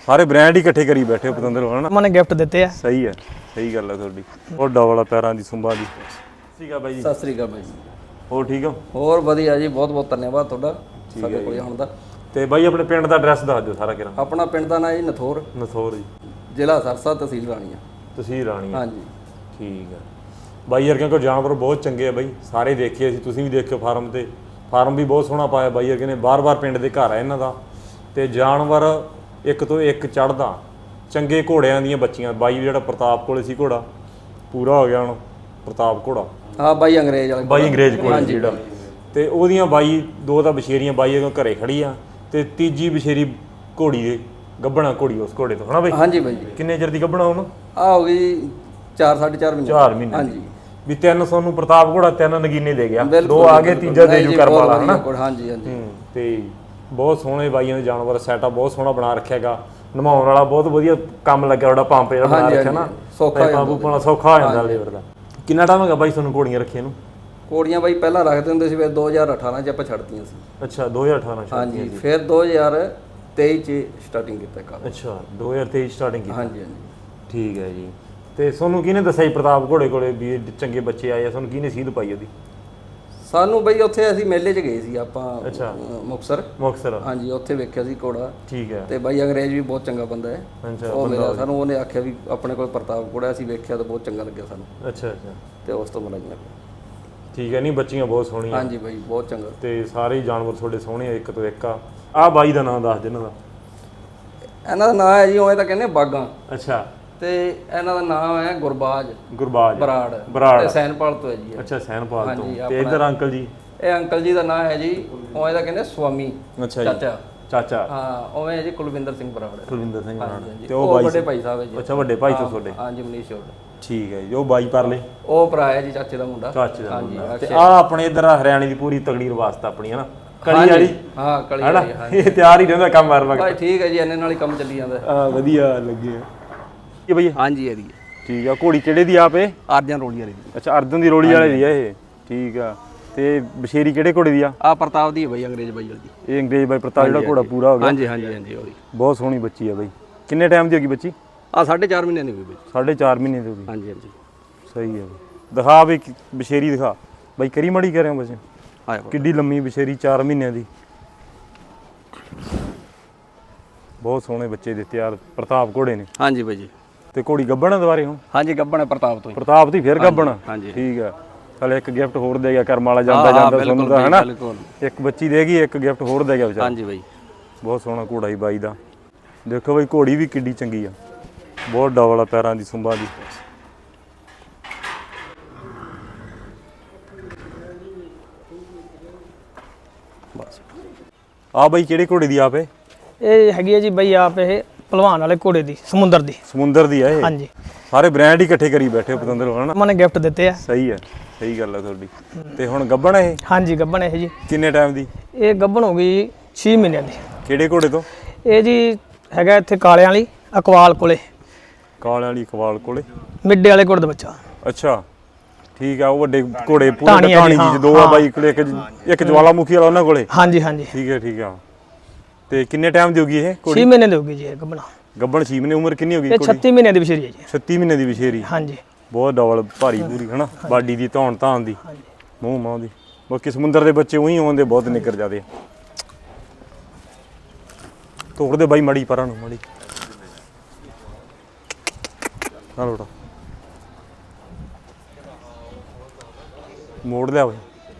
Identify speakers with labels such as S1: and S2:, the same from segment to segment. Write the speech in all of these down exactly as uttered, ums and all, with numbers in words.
S1: ਸਾਰੇ ਬ੍ਰਾਂਡ ਹੀ ਇਕੱਠੇ ਕਰੀ ਬੈਠੇ ਹੋ ਪਤੰਦਰ ਹੋ ਹਨਾ।
S2: ਮਨੇ ਗਿਫਟ ਦਿੱਤੇ ਆ।
S1: ਸਹੀ ਹੈ, ਸਹੀ ਗੱਲ ਹੈ ਤੁਹਾਡੀ। ਉਹ ਡਬਲ ਪੈਰਾਂ ਦੀ ਸੁੰਬਾਂ ਦੀ। ਠੀਕ ਆ ਬਾਈ ਜੀ।
S3: ਸਤਿ ਸ੍ਰੀ ਅਕਾਲ ਬਾਈ ਜੀ।
S1: ਹੋਰ ਠੀਕ ਹੋ?
S3: ਹੋਰ ਵਧੀਆ ਜੀ, ਬਹੁਤ ਬਹੁਤ ਧੰਨਵਾਦ ਤੁਹਾਡਾ ਸਾਡੇ ਕੋਲ ਆਉਣ ਦਾ।
S1: ਤੇ ਬਾਈ ਆਪਣੇ ਪਿੰਡ ਦਾ ਐਡਰੈਸ ਦੱਸ ਦਿਓ ਸਾਰਾ ਕਿਰਾ।
S3: ਆਪਣਾ ਪਿੰਡ ਦਾ ਨਾਂ ਜੀ ਨਥੋਰ,
S1: ਨਥੋਰ ਜੀ,
S3: ਜ਼ਿਲ੍ਹਾ ਸਰਸਾ, ਤਹਿਸੀਲ ਰਾਣੀਆਂ।
S1: ਤਹਿਸੀਲ ਰਾਣੀਆਂ,
S3: ਹਾਂਜੀ
S1: ਠੀਕ ਆ ਬਾਈ ਯਾਰ। ਕਿਉਂਕਿ ਜਾਨਵਰ ਬਹੁਤ ਚੰਗੇ ਆ ਬਾਈ, ਸਾਰੇ ਦੇਖੇ ਅਸੀਂ, ਤੁਸੀਂ ਵੀ ਦੇਖਿਓ ਫਾਰਮ ਤੇ। ਫਾਰਮ ਵੀ ਬਹੁਤ ਸੋਹਣਾ ਪਾਇਆ ਬਾਈ ਯਾਰ, ਕਹਿੰਦੇ ਬਾਰ-ਬਾਰ ਪਿੰਡ ਦੇ ਘਰ ਆ ਇਹਨਾਂ ਦਾ। ਤੇ ਜਾਨਵਰ ਇੱਕ ਤੋਂ ਇੱਕ ਚੜ੍ਹਦਾ, ਚੰਗੇ ਘੋੜਿਆਂ ਦੀਆਂ ਬੱਚੀਆਂ। ਬਾਈ ਜਿਹੜਾ ਪ੍ਰਤਾਪ ਕੋਲੇ ਸੀ ਘੋੜਾ, ਪੂਰਾ ਹੋ ਗਿਆ ਹੁਣ ਪ੍ਰਤਾਪ ਘੋੜਾ।
S3: ਹਾਂ ਬਾਈ ਅੰਗਰੇਜ਼ ਵਾਲਾ,
S1: ਬਾਈ ਅੰਗਰੇਜ਼ ਕੋਲੇ ਜਿਹੜਾ, ਤੇ ਉਹਦੀਆਂ ਬਾਈ ਦੋ ਤਾਂ ਬਸ਼ੇਰੀਆਂ ਬਾਈ ਦੇ ਘਰੇ ਖੜੀ ਆ, ਤੇ ਤੀਜੀ ਬਸ਼ੇਰੀ ਘੋੜੀ ਦੇ ਗੱਭਣਾ ਘੋੜੀ ਉਸ ਘੋੜੇ ਤੋਂ ਹਨਾ ਬਾਈ।
S3: ਹਾਂਜੀ ਬਾਈ ਜੀ।
S1: ਕਿੰਨੇ ਚਿਰ ਦੀ ਗੱਭਣਾ ਹੁਣ?
S3: ਆ ਹੋ ਗਈ ਚਾਰ ਸਾਢੇ ਚਾਰ ਮਹੀਨੇ।
S1: ਚਾਰ ਮਹੀਨੇ
S3: ਹਾਂਜੀ।
S1: ਵੀ ਤਿੰਨ ਤੁਹਾਨੂੰ ਪ੍ਰਤਾਪ ਘੋੜਾ ਤਿੰਨ ਨਗੀਨੇ ਦੇ ਗਿਆ, ਦੋ ਆ ਗਏ, ਤੀਜਾ ਦੇ ਜੂ ਕਰਮ ਵਾਲਾ ਹਨਾ।
S3: ਹਾਂਜੀ ਹਾਂਜੀ।
S1: ਤੇ ਬਹੁਤ ਸੋਹਣੇ ਬਾਈਆਂ ਦੇ ਜਾਨਵਰ, ਸੈਟਅਪ ਬਹੁਤ ਸੋਹਣਾ ਬਣਾ ਰੱਖਿਆ ਹੈਗਾ। ਨਮਾਉਣ ਵਾਲਾ ਬਹੁਤ ਵਧੀਆ ਕੰਮ ਲੱਗਿਆ ਤੁਹਾਡਾ, ਪੰਪ ਜਿਹੜਾ ਬਣਾ ਰੱਖਿਆ ਨਾ,
S3: ਸੌਖਾ
S1: ਪੰਪ ਪਾਉਣਾ ਸੌਖਾ ਹੋ ਜਾਂਦਾ ਲੇਬਰ ਦਾ। ਕਿੰਨਾ ਟਾਈਮ ਹੈਗਾ ਬਾਈ ਤੁਹਾਨੂੰ ਘੋੜੀਆਂ ਰੱਖੀਆਂ ਨੂੰ?
S3: ਕੋੜੀਆਂ ਬਾਈ ਪਹਿਲਾਂ ਰੱਖਦੇ ਹੁੰਦੇ ਸੀ, ਫਿਰ ਦੋ ਹਜ਼ਾਰ ਅਠਾਰਾਂ ਚ ਆਪਾਂ ਛੱਡਤੀਆਂ ਸੀ।
S1: ਅੱਛਾ, ਦੋ ਹਜ਼ਾਰ ਅਠਾਰਾਂ ਚ।
S3: ਹਾਂਜੀ, ਫਿਰ ਦੋ ਹਜ਼ਾਰ ਤੇਈ ਚ ਸਟਾਰਟਿੰਗ ਕੀਤਾ ਕੰਮ।
S1: ਅੱਛਾ, ਦੋ ਹਜ਼ਾਰ ਤੇਈ ਸਟਾਰਟਿੰਗ ਕੀਤੀ।
S3: ਹਾਂਜੀ ਹਾਂਜੀ।
S1: ਠੀਕ ਹੈ ਜੀ। ਤੇ ਤੁਹਾਨੂੰ ਕਿਹਨੇ ਦੱਸਿਆ ਜੀ ਪ੍ਰਤਾਪ ਘੋੜੇ ਕੋਲੇ ਵੀ ਇਹ ਚੰਗੇ ਬੱਚੇ ਆਏ ਆ? ਤੁਹਾਨੂੰ ਕਿਹਨੇ ਸੀਧ ਪਾਈ ਉਹਦੀ?
S3: ਸਾਨੂੰ ਬਈ ਉੱਥੇ ਅਸੀਂ ਮੇਲੇ 'ਚ ਗਏ ਸੀ ਆਪਾਂ,
S1: ਅੱਛਾ,
S3: ਮੁਕਤਸਰ।
S1: ਮੁਕਤਸਰ,
S3: ਹਾਂਜੀ, ਉੱਥੇ ਵੇਖਿਆ ਸੀ ਘੋੜਾ।
S1: ਠੀਕ ਹੈ।
S3: ਤੇ ਬਾਈ ਅੰਗਰੇਜ਼ ਵੀ ਬਹੁਤ ਚੰਗਾ ਬੰਦਾ ਹੈ।
S1: ਅੱਛਾ,
S3: ਉਹ ਮਿਲਿਆ ਸਾਨੂੰ, ਉਹਨੇ ਆਖਿਆ ਵੀ ਆਪਣੇ ਕੋਲ ਪ੍ਰਤਾਪ ਘੋੜਾ, ਅਸੀਂ ਵੇਖਿਆ ਤਾਂ ਬਹੁਤ ਚੰਗਾ ਲੱਗਿਆ ਸਾਨੂੰ।
S1: ਅੱਛਾ ਅੱਛਾ,
S3: ਤੇ ਉਸ ਤੋਂ ਮਿਲਾਈਆਂ।
S1: ਠੀਕ ਹੈ। ਨਹੀਂ ਬੱਚੀਆਂ ਬਹੁਤ ਸੋਹਣੀਆਂ।
S3: ਹਾਂਜੀ ਬਾਈ, ਬਹੁਤ ਚੰਗਾ।
S1: ਤੇ ਸਾਰੇ ਹੀ ਜਾਨਵਰ ਤੁਹਾਡੇ ਸੋਹਣੇ ਆ, ਇੱਕ ਤੋਂ ਇੱਕ ਆ। ਆਹ ਬਾਈ ਦਾ ਨਾਮ ਦੱਸ ਦੇ ਇਹਨਾਂ ਦਾ।
S3: ਇਹਨਾਂ ਦਾ ਨਾਮ ਹੈ ਜੀ, ਉਵੇਂ ਤਾਂ ਕਹਿੰਦੇ ਬਾਗਾਂ।
S1: ਅੱਛਾ।
S3: ਤੇ ਇਹਨਾਂ ਦਾ ਨਾਮ ਹੈ ਗੁਰਬਾਜ
S1: ਗੁਰਬਾਜ
S3: ਬਰਾੜ।
S1: ਬਰਾੜ
S3: ਤੇ ਸੈਨਪਾਲ ਤੋਂ ਹੈ ਜੀ ਇਹ।
S1: ਅੱਛਾ, ਸੈਨਪਾਲ ਤੋਂ। ਤੇ ਇਧਰ ਅੰਕਲ ਜੀ?
S3: ਇਹ ਅੰਕਲ ਜੀ ਦਾ ਨਾਮ ਹੈ ਜੀ, ਉਵੇਂ ਤਾਂ ਕਹਿੰਦੇ ਸਵਾਮੀ।
S1: ਅੱਛਾ ਜੀ,
S3: ਚਾਚਾ।
S1: ਚਾਚਾ।
S3: ਹਾਂ, ਉਵੇਂ ਹੈ ਜੀ ਕੁਲਵਿੰਦਰ ਸਿੰਘ ਬਰਾੜ।
S1: ਕੁਲਵਿੰਦਰ ਸਿੰਘ ਬਰਾੜ।
S3: ਤੇ ਉਹ ਬਾਈ ਵੱਡੇ ਭਾਈ ਸਾਹਿਬ ਹੈ ਜੀ।
S1: ਅੱਛਾ, ਵੱਡੇ ਭਾਈ ਤੋਂ ਤੁਹਾਡੇ?
S3: ਹਾਂਜੀ, ਮਨੀਸ਼ ਹੋਰ।
S1: ਠੀਕ ਹੈ ਜੀ। ਉਹ ਬਾਈ ਪਰਲੇ?
S3: ਉਹ ਭਰਾ ਹੈ ਜੀ ਚਾਚੇ ਦਾ ਮੁੰਡਾ।
S1: ਚਾਚੇ ਦਾ ਮੁੰਡਾ। ਤੇ ਆ ਆਪਣੇ ਇਧਰ ਹਰਿਆਣੇ ਦੀ ਪੂਰੀ ਤਗੜੀ ਰਵਾਸਤ ਆਪਣੀ ਹੈ ਨਾ, ਕਲੀ ਵਾਲੀ।
S3: ਹਾਂ, ਕਲੀ ਵਾਲੀ। ਹਾਂ,
S1: ਇਹ ਤਿਆਰ ਹੀ ਰਹਿੰਦਾ ਕੰਮ ਮਾਰ ਵਕਤ।
S3: ਭਾਈ ਠੀਕ ਹੈ ਜੀ, ਇਹਨੇ ਨਾਲ ਹੀ ਕੰਮ ਚੱਲੀ ਜਾਂਦਾ।
S1: ਹਾਂ, ਵਧੀਆ ਲੱਗੇ ਇਹ ਬਈ।
S3: ਹਾਂਜੀ, ਇਹਦੀ
S1: ਠੀਕ ਆ। ਘੋੜੀ ਕਿਹੜੇ ਦੀ ਆਪ ਇਹ?
S3: ਅਰਜਨ ਰੋਲੀ ਵਾਲੀ ਦੀ।
S1: ਅੱਛਾ, ਅਰਜਨ ਦੀ ਰੋਲੀ ਵਾਲੇ ਦੀ ਆ ਇਹ। ਠੀਕ ਆ। ਤੇ ਬਸ਼ੇਰੀ ਕਿਹੜੇ ਘੋੜੇ ਦੀ ਆ?
S3: ਆ ਪ੍ਰਤਾਪ ਦੀ ਹੈ ਬਾਈ, ਅੰਗਰੇਜ਼ ਬਾਈ ਵਾਲੀ ਦੀ।
S1: ਇਹ ਅੰਗਰੇਜ਼ ਬਾਈ ਪ੍ਰਤਾਪ ਜਿਹੜਾ ਘੋੜਾ ਪੂਰਾ ਹੋ ਗਿਆ।
S3: ਹਾਂਜੀ ਹਾਂਜੀ ਹਾਂਜੀ, ਉਹਦੀ
S1: ਬਹੁਤ ਸੋਹਣੀ ਬੱਚੀ ਆ ਬਾਈ। ਕਿੰਨੇ ਟਾਈਮ ਦੀ ਹੋ ਗਈ ਬੱਚੀ?
S3: ਆ ਸਾਢੇ ਚਾਰ ਮਹੀਨੇ ਦੀ ਹੋਈ ਬਾਈ।
S1: ਸਾਢੇ ਚਾਰ ਮਹੀਨੇ ਦੀ ਹੋ ਗਈ।
S3: ਹਾਂਜੀ ਹਾਂਜੀ,
S1: ਸਹੀ ਹੈ। ਦਿਖਾ ਬਈ ਬਸ਼ੇਰੀ ਦਿਖਾ ਬਾਈ, ਕਰੀ ਮੜੀ ਕਰ ਰਹੇ ਹੋ ਬੱਚੇ।
S3: ਆਇਆ
S1: ਕਿੱਡੀ ਲੰਮੀ ਬਸ਼ੇਰੀ, ਚਾਰ ਮਹੀਨਿਆਂ ਦੀ। ਬਹੁਤ ਸੋਹਣੇ ਬੱਚੇ ਦਿੱਤੇ ਯਾਰ ਪ੍ਰਤਾਪ ਘੋੜੇ ਨੇ।
S3: ਹਾਂਜੀ ਬਾਈ ਜੀ।
S1: ਤੇ ਘੋੜੀ ਗੱਭਣ ਦੁਬਾਰੇ ਹੁਣ?
S3: ਹਾਂਜੀ, ਗੱਬਣ ਹੈ ਪ੍ਰਤਾਪ ਤੋਂ।
S1: ਪ੍ਰਤਾਪ ਦੀ ਫਿਰ ਗੱਭਣ?
S3: ਹਾਂਜੀ,
S1: ਠੀਕ ਆ। ਚਲ ਇੱਕ ਗਿਫਟ ਹੋਰ ਦੇ ਗਿਆ ਕਰਮ ਵਾਲਾ, ਜਾਂਦਾ ਜਾਂਦਾ ਤੁਹਾਨੂੰ ਦਾ ਹੈ ਨਾ। ਇੱਕ ਬੱਚੀ ਦੇਗੀ, ਇੱਕ ਗਿਫਟ ਹੋਰ ਦੇ ਗਿਆ ਵਿਚਾਰਾ।
S3: ਹਾਂਜੀ ਬਾਈ,
S1: ਬਹੁਤ ਸੋਹਣਾ ਘੋੜਾ ਹੀ ਬਾਈ ਦਾ। ਦੇਖੋ ਬਾਈ, ਘੋੜੀ ਵੀ ਕਿੱਡੀ ਚੰਗੀ ਆ, ਬਹੁਤ ਡਬਲ ਆ ਪੈਰਾਂ ਦੀ ਸੁੰਬਾਂ ਦੀ।
S3: ਬਸ
S1: ਆ ਬਾਈ ਕਿਹੜੇ ਘੋੜੇ ਦੀ ਆਪ ਇਹ?
S2: ਇਹ ਹੈਗੀ ਹੈ ਜੀ ਬਾਈ ਆਪ, ਇਹ ਭਲਵਾਨ ਵਾਲੇ ਘੋੜੇ ਦੀ, ਸਮੁੰਦਰ ਦੀ।
S1: ਸਮੁੰਦਰ ਦੀ ਆ ਇਹ?
S2: ਹਾਂਜੀ।
S1: ਸਾਰੇ ਬ੍ਰਾਂਡ ਹੀ ਇਕੱਠੇ ਕਰੀ ਬੈਠੇ ਹੋ ਪਤੰਦਰ ਹੋ ਹਨਾ।
S2: ਮਨੇ ਗਿਫਟ ਦਿੱਤੇ ਆ।
S1: ਸਹੀ ਹੈ, ਸਹੀ ਗੱਲ ਹੈ ਤੁਹਾਡੀ। ਤੇ ਹੁਣ ਗੱਭਣ ਇਹ?
S2: ਹਾਂਜੀ, ਗੱਭਣ ਇਹ ਜੀ।
S1: ਕਿੰਨੇ ਟਾਈਮ ਦੀ?
S2: ਇਹ ਗੱਭਣ ਹੋ ਗਈ ਛੇ ਮਹੀਨਿਆਂ ਦੀ।
S1: ਕਿਹੜੇ ਘੋੜੇ ਤੋਂ?
S2: ਇਹ ਜੀ ਹੈਗਾ ਇੱਥੇ ਕਾਲਿਆਂ ਵਾਲੀ ਅਕਵਾਲ ਕੋਲੇ।
S1: ਕਾਲਿਆਂ ਵਾਲੀ ਕਵਾਲ ਕੋਲੇ?
S2: ਮਿੱਡੇ ਵਾਲੇ ਘੋੜੇ ਦਾ ਬੱਚਾ।
S1: ਅੱਛਾ, ਠੀਕ ਆ। ਉਹ ਵੱਡੇ ਘੋੜੇ ਪੂਰੇ
S2: ਢਾਣੀ
S1: ਢਾਣੀ ਜੀ ਦੋ ਆ ਬਾਈ ਕੋਲੇ, ਇੱਕ ਇੱਕ ਜਵਾਲਾਮੁਖੀ ਵਾਲਾ ਉਹਨਾਂ ਕੋਲੇ।
S2: ਹਾਂਜੀ ਹਾਂਜੀ,
S1: ਠੀਕ ਹੈ, ਠੀਕ ਆ। ਤੇ ਕਿੰਨੇ ਟਾਈਮ ਦੀ ਹੋ ਗਈ ਇਹ ਘੋੜੀ?
S2: ਛੇ ਮਹੀਨੇ ਦੀ ਹੋ ਗਈ ਜੀ ਇਹ ਗੱਭਣ।
S1: ਗੱਭਣ ਛੇ ਮਹੀਨੇ। ਉਮਰ ਕਿੰਨੀ ਹੋ ਗਈ
S2: ਇਹ
S1: ਘੋੜੀ?
S2: ਛੱਤੀ ਮਹੀਨੇ ਦੀ ਬਸ਼ੇਰੀ ਹੈ ਜੀ।
S1: ਛੱਤੀ ਮਹੀਨੇ ਦੀ ਬਸ਼ੇਰੀ।
S2: ਹਾਂਜੀ।
S1: ਬਹੁਤ ਡਬਲ ਭਾਰੀ ਪੂਰੀ ਹਨਾ, ਬਾਡੀ ਦੀ ਧੌਣ ਧਾਨ ਦੀ, ਮੂੰਹ ਮਾਂ ਦੀ। ਬਾਕੀ ਸਮੁੰਦਰ ਦੇ ਬੱਚੇ ਉਹੀ ਆਉਂਦੇ, ਬਹੁਤ ਨਿਕਰ ਜਾਂਦੇ। ਤੋੜਦੇ ਬਾਈ ਮੜੀ ਪਰਾਂ ਨੂੰ, ਮੜੀ ਨਾ ਲੋਟਾ ਮੋੜ ਲਿਆ ਬਾਈ।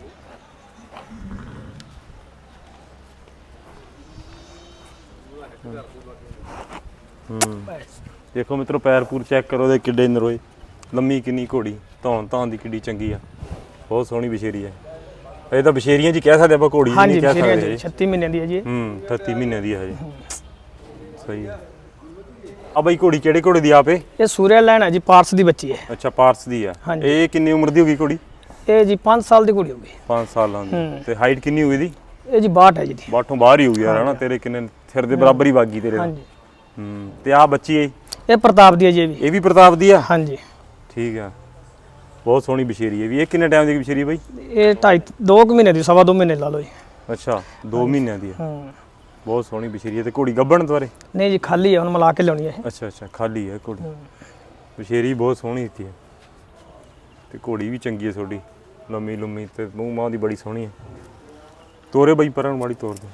S1: ਹੂੰ, ਦੇਖੋ ਮਿੱਤਰੋ, ਪੈਰ ਪੂਰ ਚੈੱਕ ਕਰੋ ਦੇ ਕਿੱਡੇ ਨਰੋਏ, ਲੰਮੀ ਕਿੰਨੀ ਘੋੜੀ, ਧੌਣ ਧੌਣ ਦੀ ਕਿੱਡੀ ਚੰਗੀ ਆ, ਬਹੁਤ ਸੋਹਣੀ ਬਸ਼ੇਰੀ ਹੈ। ਇਹ ਤਾਂ ਬਸ਼ੇਰੀਆਂ ਜੀ ਕਹਿ ਸਕਦੇ ਆਪਾਂ, ਘੋੜੀ ਨਹੀਂ ਕਹਿ ਸਕਦੇ।
S2: ਛੱਤੀ ਮਹੀਨੇ ਦੀ ਹੈ ਜੀ।
S1: ਹੂੰ, ਅਠੱਤੀ ਮਹੀਨੇ ਦੀ ਹੈ ਜੀ। ਸਹੀ ਹੈ। ਆ ਬਾਈ ਘੋੜੀ ਕਿਹੜੇ ਘੋੜੇ ਦੀ ਆਪੇ?
S2: ਇਹ ਸੂਰਿਆ ਲੈਣ ਹੈ ਜੀ, ਪਾਰਸ ਦੀ ਬੱਚੀ ਹੈ।
S1: ਅੱਛਾ, ਪਾਰਸ ਦੀ ਆ। ਇਹ ਕਿੰਨੀ ਉਮਰ ਦੀ ਹੋ ਗਈ ਘੋੜੀ?
S2: ਇਹ ਜੀ ਪੰਜ ਸਾਲ ਦੀ ਘੋੜੀ ਹੋ ਗਈ।
S1: ਪੰਜ ਸਾਲਾਂ ਦੀ। ਤੇ ਹਾਈਟ ਕਿੰਨੀ ਹੋਈ ਦੀ?
S2: ਇਹ ਜੀ ਬਾਹਠ ਹੈ ਜੀ ਦੀ।
S1: ਬਾਹਠੋਂ ਬਾਹਰ ਹੀ ਹੋ ਗਿਆ ਹਨਾ, ਤੇਰੇ ਕਿੰਨੇ ਸਿਰ ਦੇ ਬਰਾਬਰ ਹੀ ਵਾਗੀ ਤੇਰੇ।
S2: ਹਾਂਜੀ।
S1: ਹੂੰ, ਤੇ ਆ ਬੱਚੀ ਹੈ
S2: ਇਹ ਪ੍ਰਤਾਪ ਦੀ ਹੈ ਜੀ। ਇਹ ਵੀ
S1: ਇਹ ਵੀ ਪ੍ਰਤਾਪ ਦੀ ਆ?
S2: ਹਾਂਜੀ।
S1: ਠੀਕ ਆ। ਬਹੁਤ ਸੋਹਣੀ ਬਸ਼ੇਰੀ ਹੈ ਵੀ। ਇਹ ਕਿੰਨੇ ਟਾਈਮ ਦੀ ਬਸ਼ੇਰੀ ਬਾਈ?
S2: ਇਹ ਢਾਈ ਦੋ ਕੁ ਮਹੀਨੇ ਦੀ, ਸਵਾ ਦੋ ਮਹੀਨੇ ਲਾ ਲਓ ਜੀ।
S1: ਅੱਛਾ, ਦੋ ਮਹੀਨਿਆਂ ਦੀ ਆ।
S2: ਹੂੰ।
S1: ਬਹੁਤ ਸੋਹਣੀ ਬਸ਼ੀਰੀ ਹੈ। ਤੇ ਘੋੜੀ ਗੱਭਣ ਦੁਆਰੇ?
S2: ਨਹੀਂ ਜੀ ਖਾਲੀ ਹੈ, ਹੁਣ ਮਿਲਾ ਕੇ ਲਿਆਉਣੀ ਹੈ ਇਹ।
S1: ਅੱਛਾ ਅੱਛਾ ਖਾਲੀ ਹੈ ਘੋੜੀ। ਬਸ਼ੀਰੀ ਬਹੁਤ ਸੋਹਣੀ ਦਿੱਤੀ ਹੈ ਤੇ ਘੋੜੀ ਵੀ ਚੰਗੀ ਹੈ ਤੁਹਾਡੀ, ਲੰਮੀ ਲੰਮੀ ਤੇ ਮੂੰਹ ਮਾਂ ਦੀ ਬੜੀ ਸੋਹਣੀ ਹੈ। ਤੋਰੇ ਬਈ ਪਰਾਂ ਨੂੰ ਮਾੜੀ ਤੋਰ ਦੇ।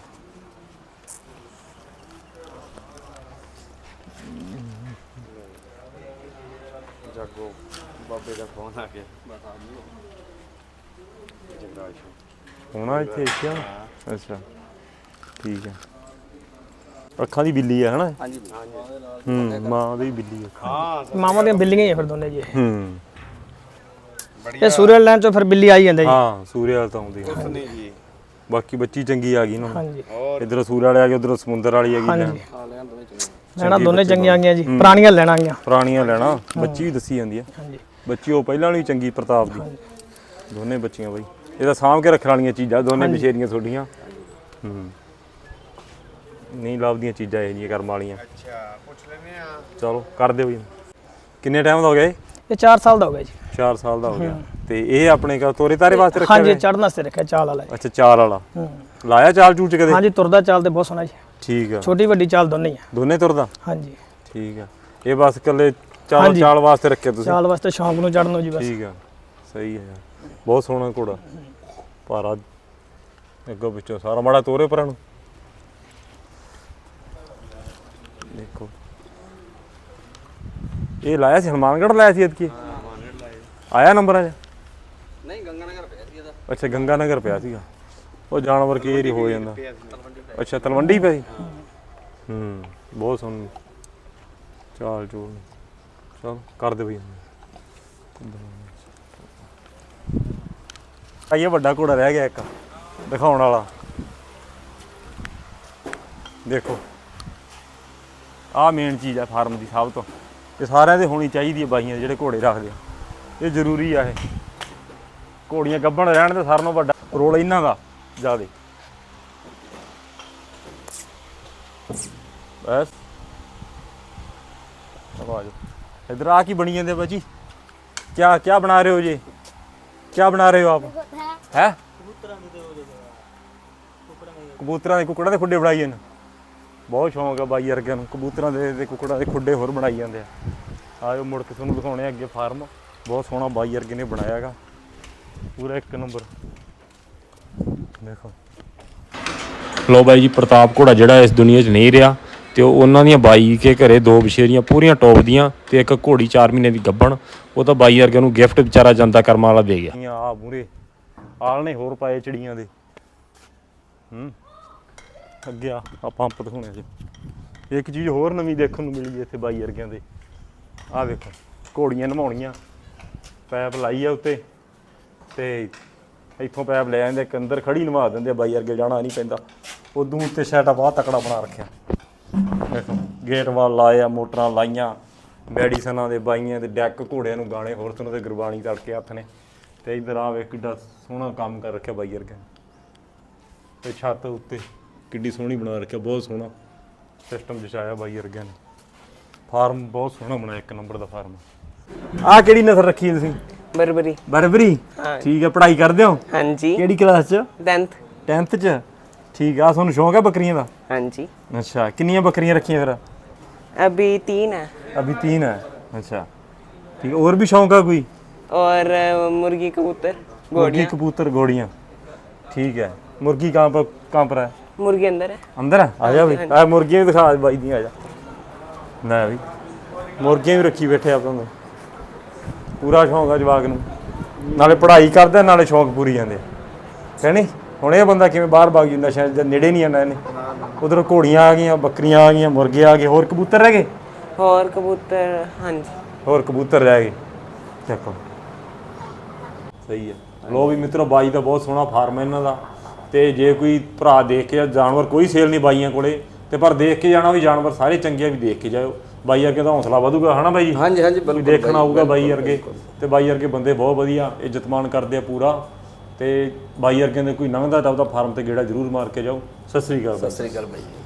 S3: ਜਾਗੋ ਬਾਬੇ ਦਾ ਫੋਨ ਆ ਗਿਆ।
S1: ਹੋਣਾ ਇੱਥੇ ਇੱਥੇ ਆ? ਅੱਛਾ ਠੀਕ ਹੈ। ਅੱਖਾਂ ਦੀ ਬਿੱਲੀ ਹੈ ਹਨਾ?
S3: ਹਾਂਜੀ
S1: ਹੂੰ ਮਾਂ ਦੀ ਬਿੱਲੀ ਹੈ।
S3: ਹਾਂ
S2: ਮਾਵਾਂ ਦੀਆਂ ਬਿੱਲੀਆਂ ਹੀ ਆ ਫਿਰ ਦੋਨੇ ਜੀ ਇਹ।
S1: ਹੂੰ
S2: ਇਹ ਸੂਰਜ ਲੈਣ ਚੋਂ ਫਿਰ ਬਿੱਲੀ ਆਈ ਜਾਂਦਾ ਜੀ।
S1: ਹਾਂ ਸੂਰਿਆ ਵਾਲ ਤਾਂ ਆਉਂਦੀ ਹੈ।
S3: ਨਹੀਂ ਜੀ
S1: ਬਾਕੀ ਬੱਚੀ ਚੰਗੀ ਆ ਗਈ ਨਾ।
S2: ਹਾਂਜੀ
S1: ਇਧਰੋਂ ਸੂਰਿਆ ਵਾਲੇ ਆ ਗਏ, ਉਧਰੋਂ ਸਮੁੰਦਰ ਵਾਲੀ ਆ ਗਈ।
S2: ਹਾਂਜੀ
S3: ਹਾਂ ਲੈਣ ਦੋਵੇਂ ਚੰਗੇ।
S2: ਲੈਣਾ ਦੋਨੇ ਚੰਗੀਆਂ ਆ ਗਈਆਂ ਜੀ, ਪੁਰਾਣੀਆਂ ਲੈਣਾ ਆ ਗਈਆਂ।
S1: ਪੁਰਾਣੀਆਂ ਲੈਣਾ ਬੱਚੀ ਵੀ ਦੱਸੀ ਜਾਂਦੀ ਹੈ।
S2: ਹਾਂਜੀ
S1: ਬੱਚੀ ਉਹ ਪਹਿਲਾਂ ਵਾਲੀ ਚੰਗੀ ਪ੍ਰਤਾਪ ਦੀ। ਦੋਨੇ ਬੱਚੀਆਂ ਬਈ ਇਹਦਾ ਸਾਂਭ ਕੇ ਰੱਖਣ ਵਾਲੀਆਂ ਚੀਜ਼ਾਂ ਦੋਨੇ ਬਸ਼ੇਰੀਆਂ ਤੁਹਾਡੀਆਂ। ਹੂੰ ਨਹੀਂ ਲੱਭਦੀਆਂ ਚੀਜ਼ਾਂ ਇਹ ਜਿਹੀਆਂ ਕਰਮ ਵਾਲੀਆਂ।
S3: ਅੱਛਾ ਪੁੱਛ ਲੈਨੇ ਆ।
S1: ਚਲੋ ਕਰ ਦਿਓ ਜੀ। ਕਿੰਨੇ ਟਾਈਮ ਦਾ ਹੋ ਗਿਆ ਇਹ?
S2: ਇਹ ਚਾਰ ਸਾਲ ਦਾ ਹੋ ਗਿਆ ਜੀ।
S1: ਚਾਰ ਸਾਲ ਦਾ ਹੋ ਗਿਆ। ਤੇ ਇਹ ਆਪਣੇ ਕਾ ਤੋਰੇ ਤਾਰੇ ਵਾਸਤੇ ਰੱਖਿਆ
S2: ਹਾਂਜੀ
S1: ਹੋਇਆ?
S2: ਚੜਨ ਵਾਸਤੇ ਰੱਖਿਆ ਚਾਲ ਵਾਲਾ ਜੀ।
S1: ਅੱਛਾ ਚਾਲ ਵਾਲਾ।
S2: ਹੂੰ
S1: ਲਾਇਆ ਚਾਲ ਚੂਲ ਚ ਕਦੇ?
S2: ਹਾਂਜੀ ਤੁਰਦਾ ਚਾਲ ਤੇ ਬਹੁਤ ਸੋਹਣਾ ਜੀ।
S1: ਠੀਕ ਆ।
S2: ਛੋਟੀ ਵੱਡੀ ਚਾਲ ਦੋਨੇ ਹੀ ਆ।
S1: ਦੋਨੇ ਤੁਰਦਾ?
S2: ਹਾਂਜੀ
S1: ਠੀਕ ਆ। ਇਹ ਬਸ ਇਕੱਲੇ ਚਾਲ
S2: ਹਾਂਜੀ।
S1: ਚਾਲ ਵਾਸਤੇ ਰੱਖਿਆ ਤੁਸੀਂ?
S2: ਚਾਲ ਵਾਸਤੇ ਸ਼ੌਂਕ ਨੂੰ ਚੜਨ ਨੂੰ ਜੀ ਬਸ।
S1: ਠੀਕ ਆ ਸਹੀ ਹੈ ਯਾਰ। ਬਹੁਤ ਸੋਹਣਾ ਘੋੜਾ ਭਾਰਾ ਅੱਗੋਂ ਪਿੱਛੋਂ ਸਾਰਾ ਮਾੜਾ ਤੋਰੇ ਪਰਾਂ ਨੂੰ ਦੇਖੋ। ਇਹ ਲਾਇਆ ਸੀ ਹਨੂੰਮਾਨਗੜ੍ਹ ਲਾਇਆ ਸੀ ਐਤਕੀ?
S3: ਹਾਂ ਮਾਨੇੜ ਲਾਏ।
S1: ਆਇਆ ਨੰਬਰਾਂ 'ਚ?
S3: ਨਹੀਂ ਗੰਗਾ ਨਗਰ ਪਿਆ ਸੀ ਇਹਦਾ।
S1: ਅੱਛਾ ਗੰਗਾ ਨਗਰ ਪਿਆ ਸੀਗਾ। ਉਹ ਜਾਨਵਰ ਕਈ ਵਾਰੀ ਹੋ ਜਾਂਦਾ। ਅੱਛਾ ਤਲਵੰਡੀ ਪਿਆ ਸੀ। ਹੂੰ ਬਹੁਤ ਸੋਹਣੀ ਚਾਲ ਚੂਲ। ਚਲ ਕਰ ਦੇ ਬਈ। ਆਈਏ ਵੱਡਾ ਘੋੜਾ ਰਹਿ ਗਿਆ ਇੱਕ ਦਿਖਾਉਣ ਵਾਲਾ। ਦੇਖੋ ਆਹ ਮੇਨ ਚੀਜ਼ ਆ ਫਾਰਮ ਦੀ ਸਭ ਤੋਂ। ਇਹ ਸਾਰਿਆਂ ਦੇ ਹੋਣੀ ਚਾਹੀਦੀ ਹੈ ਬਾਈਆਂ ਜਿਹੜੇ ਘੋੜੇ ਰੱਖਦੇ ਆ। ਇਹ ਜ਼ਰੂਰੀ ਆ। ਇਹ ਘੋੜੀਆਂ ਗੱਭਣ ਰਹਿਣ ਤੇ ਸਾਰਿਆਂ ਨਾਲੋਂ ਵੱਡਾ ਰੋਲ ਇਹਨਾਂ ਦਾ ਜ਼ਿਆਦਾ। ਬਸ ਆਵਾਜ਼ इधर आ की बनी जाते बची। क्या क्या बना रहे हो जी? क्या बना रहे हो आप? है कबूतरां दे कुकड़ां दे खुड्डे बनाई जाने। बहुत शौक है बाई वर्गिਆਂ ਨੂੰ कबूतरां दे कुकड़ां दे खुड्डे होर बनाई जाते हैं। आयो मुड़ के तुहानूं दिखाउने अगे फार्म। बहुत सोहना बाई वर्गे ने बनाया हैगा पूरा एक नंबर। देखो लो बाई जी प्रताप घोड़ा जिहड़ा इस दुनिया 'ਚ नहीं रहा ਤੇ ਉਹਨਾਂ ਦੀਆਂ ਬਾਈ ਕੇ ਘਰੇ ਦੋ ਬਸ਼ੇਰੀਆਂ ਪੂਰੀਆਂ ਟੌਪ ਦੀਆਂ ਤੇ ਇੱਕ ਘੋੜੀ ਚਾਰ ਮਹੀਨੇ ਦੀ ਗੱਭਣ। ਉਹ ਤਾਂ ਬਾਈ ਵਰਗੇ ਨੂੰ ਗਿਫਟ ਵਿਚਾਰਾ ਜਨਤਾ ਕਰਮਾਂ ਵਾਲਾ ਦੇ ਗਿਆ। ਆ ਮੂਰੇ ਆਲ ਨੇ ਹੋਰ ਪਾਏ ਚਿੜੀਆਂ ਦੇ। ਹੂੰ ਅੱਗੇ ਆ ਆ ਪੰਪ ਦਿਖਾਉਣੇ ਸੀ। ਇੱਕ ਚੀਜ਼ ਹੋਰ ਨਵੀਂ ਦੇਖਣ ਨੂੰ ਮਿਲੀ ਇੱਥੇ ਬਾਈ ਵਰਗਿਆਂ ਦੇ। ਆਹ ਵੇਖੋ ਘੋੜੀਆਂ ਨਮਾਉਣੀਆਂ ਪੈਪ ਲਾਈ ਆ ਉੱਤੇ ਤੇ ਇੱਥੋਂ ਪੈਪ ਲੈ ਜਾਂਦੇ ਇੱਕ ਅੰਦਰ ਖੜੀ ਨਵਾ ਦਿੰਦੇ। ਬਾਈ ਵਰਗੇ ਜਾਣਾ ਨਹੀਂ ਪੈਂਦਾ। ਉਦੋਂ ਉੱਤੇ ਸੈਟਾ ਬਹੁਤ ਤਕੜਾ ਬਣਾ ਰੱਖਿਆ। ਦੇਖੋ ਗੇਟ ਵਾਲ ਲਾਏ ਆ, ਮੋਟਰਾਂ ਲਾਈਆਂ, ਮੈਡੀਸਨਾਂ ਦੇ ਬਾਈਆਂ ਦੇ ਡੈਕ ਘੋੜਿਆਂ ਨੂੰ ਗਾਣੇ ਹੋਰ ਤਰ੍ਹਾਂ ਦੇ ਗੁਰਬਾਣੀ ਤੜਕੇ ਹੱਥ ਨੇ। ਤੇ ਇੱਧਰ ਆ ਵੇਖ ਕਿੱਡਾ ਸੋਹਣਾ ਕੰਮ ਕਰ ਰੱਖਿਆ ਬਾਈ ਵਰਗੇ। ਤੇ ਛੱਤ ਉੱਤੇ ਕਿੱਡੀ ਸੋਹਣੀ ਬਣਾ ਰੱਖਿਆ। ਬਹੁਤ ਸੋਹਣਾ ਸਿਸਟਮ ਜਚਾਇਆ ਬਾਈ ਵਰਗਿਆਂ ਨੇ। ਫਾਰਮ ਬਹੁਤ ਸੋਹਣਾ ਬਣਾਇਆ ਇੱਕ ਨੰਬਰ ਦਾ ਫਾਰਮ। ਆਹ ਕਿਹੜੀ ਨਸਲ ਰੱਖੀ ਤੁਸੀਂ?
S4: ਬਰਬਰੀ।
S1: ਬਰਬਰੀ ਠੀਕ ਹੈ। ਪੜ੍ਹਾਈ ਕਰਦੇ ਹੋ?
S4: ਹਾਂਜੀ।
S1: ਕਿਹੜੀ ਕਲਾਸ 'ਚ?
S4: tenth।
S1: tenth 'ਚ ਠੀਕ ਆ। ਤੁਹਾਨੂੰ ਸ਼ੌਂਕ ਹੈ ਬੱਕਰੀਆਂ ਦਾ?
S4: ਹਾਂਜੀ।
S1: अच्छा कितनी बकरियां रखी हैं फिर?
S4: अभी तीन है।
S1: अभी तीन है। अच्छा ठीक है। और भी शौक है कोई?
S4: और अ, मुर्गी कबूतर
S1: मुर्गी
S4: घोड़ियाँ।
S1: कबूतर घोड़ियाँ ठीक है। मुर्गी कहाँ पर कहाँ पर है?
S4: मुर्गी अंदर है।
S1: अंदर है? आ जा भाई आ मुर्गियाँ भी दिखा भाई दी। आ जा ना भाई मुर्गियाँ भी रखी बैठे आप पूरा शौक है जवाक नूं। नाले पढ़ाई करदा नाले शौक पूरी जाते है नहीं। ਹੁਣ ਇਹ ਬੰਦਾ ਕਿਵੇਂ ਬਾਹਰ ਭਾਗ ਜੂ? ਨਸ਼ਿਆਂ ਦੇ ਨੇੜੇ ਨਹੀਂ ਆਣਾ ਇਹਨੇ। ਉਧਰ ਘੋੜੀਆਂ ਆ ਗਈਆਂ, ਬੱਕਰੀਆਂ ਆ ਗਈਆਂ, ਮੁਰਗੇ ਆ ਗਏ, ਹੋਰ ਕਬੂਤਰ ਰਹਿ ਗਏ?
S4: और कबूतर हाँ जी।
S1: ਹੋਰ ਕਬੂਤਰ ਰਹਿ ਗਏ। ਦੇਖੋ ਸਹੀ ਹੈ। ਲੋ ਵੀ ਮਿੱਤਰੋ ਬਾਈ ਦਾ ਬਹੁਤ ਸੋਹਣਾ ਫਾਰਮ ਹੈ ਇਹਨਾਂ ਦਾ। ਤੇ ਜੇ ਕੋਈ ਭਰਾ ਦੇਖ ਕੇ ਜਾਨਵਰ ਕੋਈ ਸੇਲ ਨਹੀਂ ਬਾਈਆਂ ਕੋਲੇ ਤੇ ਪਰ ਦੇਖ ਕੇ ਜਾਣਾ ਵੀ ਜਾਨਵਰ ਸਾਰੇ ਚੰਗੇ ਆ ਵੀ ਦੇਖ ਕੇ ਜਾਇਓ। ਬਾਈ ਵਰਗੇ ਦਾ ਹੌਸਲਾ ਵਧੂਗਾ ਹਨਾ ਬਾਈ ਜੀ?
S3: ਹਾਂਜੀ ਹਾਂਜੀ
S1: ਕੋਈ ਦੇਖਣ ਆਊਗਾ ਬਾਈ ਵਰਗੇ। ਤੇ ਬਾਈ ਵਰਗੇ ਬੰਦੇ ਬਹੁਤ ਵਧੀਆ ਇੱਜ਼ਤਮਾਨ ਕਰਦੇ ਆ ਪੂਰਾ। ਤੇ ਬਾਈ ਵਰਗਿਆਂ ਦੇ ਕੋਈ ਲੰਘਦਾ ਤਾਂ ਉਹਦਾ ਫਾਰਮ ਤੇ ਗੇੜਾ ਜ਼ਰੂਰ ਮਾਰ ਕੇ ਜਾਓ। ਸਤਿ ਸ੍ਰੀ ਅਕਾਲ।
S3: ਸਤਿ ਸ੍ਰੀ ਅਕਾਲ ਬਾਈ।